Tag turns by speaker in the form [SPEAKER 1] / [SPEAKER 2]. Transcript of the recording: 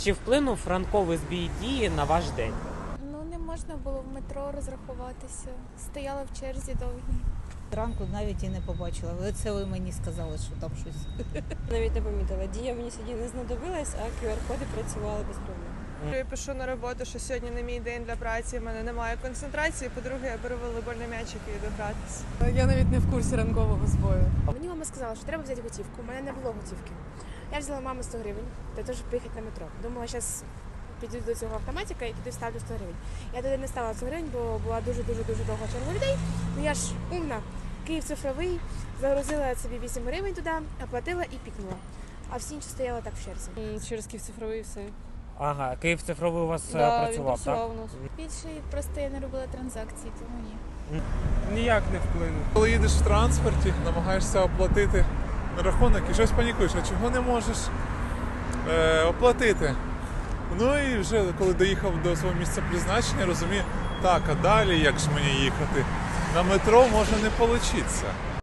[SPEAKER 1] Чи вплинув ранковий збій дії на ваш день?
[SPEAKER 2] Ну, не можна було в метро розрахуватися. Стояла в черзі довгій.
[SPEAKER 3] Ранку навіть і не побачила. Це ви мені сказали, що там щось.
[SPEAKER 4] Навіть не помітила. Дія мені сьогодні не знадобилась, а QR-коди працювали без проблем.
[SPEAKER 5] Я пишу на роботу, що сьогодні не мій день для праці, в мене немає концентрації. По-друге, я беру волейбольний м'ячик і йду гратися.
[SPEAKER 6] Я навіть не в курсі ранкового збою.
[SPEAKER 7] Мені мама сказала, що треба взяти готівку. У мене не було готівки. Я взяла мамі 100 гривень для того, щоб поїхати на метро. Думала, зараз піду до цього автоматика і піду ставлю 100 гривень. Я туди не ставила 100 гривень, бо була дуже-дуже довга черга людей. Ну я ж умна. Київ цифровий, загрузила собі 8 гривень туди, оплатила і пікнула. А всі інші стояли так в черзі.
[SPEAKER 6] Через Київ цифровий і все.
[SPEAKER 1] Ага, Київ цифровий у вас
[SPEAKER 6] Він
[SPEAKER 1] працював, так?
[SPEAKER 6] працював у нас.
[SPEAKER 2] Більше просто я не робила транзакції, тому ні.
[SPEAKER 8] Ніяк не вплинув. Коли їдеш в транспорті, намагаєшся оплатити рахунок і щось панікуєш, а чого не можеш оплатити. Ну і вже коли доїхав до свого місця призначення, розумію, так, а далі як ж мені їхати? На метро може не вийти.